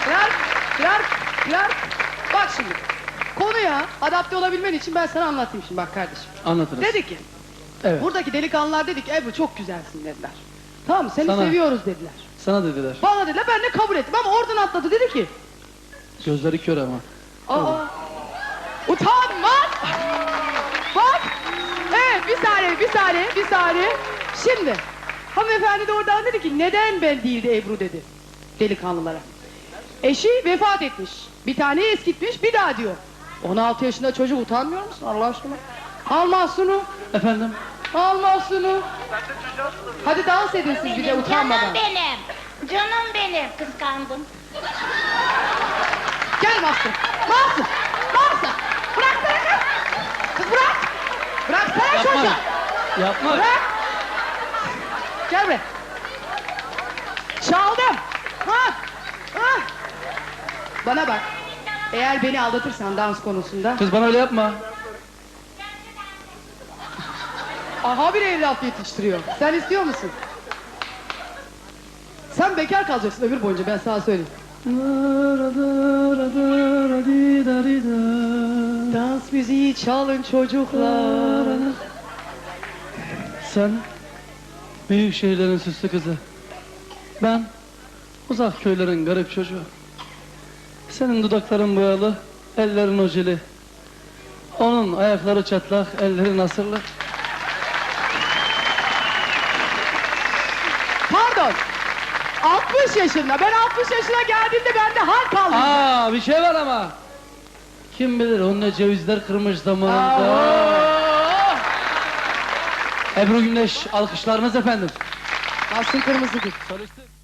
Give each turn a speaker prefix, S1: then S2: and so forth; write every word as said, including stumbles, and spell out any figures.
S1: Clark, Clark, Clark. Bak şimdi, konuya adapte olabilmen için ben sana anlatayım şimdi bak kardeşim.
S2: Anlatırız.
S1: Dedi ki,
S2: Evet.
S1: buradaki delikanlılar dedi ki, Ebru çok güzelsin dediler. Tamam mı? Seni
S2: Sana.
S1: seviyoruz dediler.
S2: Sana dediler.
S1: Bana dediler, ben de kabul ettim ama oradan atladı dedi ki,
S2: Gözleri kör ama.
S1: aa, utanmaz! Bak! Evet, bir saniye, bir saniye, bir saniye. Şimdi, hanımefendi de oradan dedi ki, neden ben değil de Ebru dedi, delikanlılara. Eşi vefat etmiş, bir taneyi eskitmiş, bir daha diyor. on altı yaşında çocuk, utanmıyor musun Allah aşkına? Al Mahsun'u,
S2: Efendim?
S1: al Mahsun'u. Hadi dans edin siz bir de utanmadan.
S3: Canım benim. Canım benim. Kıskandım.
S1: Gel Mahsun, Mahsun, Mahsun. Bıraksana kız. Kız bırak. Bıraksana
S2: Yapma.
S1: çocuğu.
S2: Yapma.
S1: Bırak. Gel buraya. Çaldım. Ha. Ha. Bana bak. Eğer beni aldatırsan dans konusunda,
S2: Kız bana öyle yapma.
S1: aha bir evlat yetiştiriyor. Sen istiyor musun? Sen bekar kalacaksın ömür boyunca, ben sana söyleyeyim. Dans müziği çalın çocuklar.
S2: Sen büyük şehirlerin süslü kızı. Ben uzak köylerin garip çocuğu. Senin dudakların boyalı, ellerin ojeli. Onun ayakları çatlak, elleri nasırlı.
S1: Pardon. altmış yaşında. Ben altmış yaşına geldiğimde bende hal kaldı.
S2: Aa, bir şey var ama. Kim bilir onun ne cevizler kırmış zamanında.
S1: Aa!
S2: Ebru Gündeş, alkışlarınız efendim.
S1: Mahsun Kırmızıgül.
S2: Çalıştık.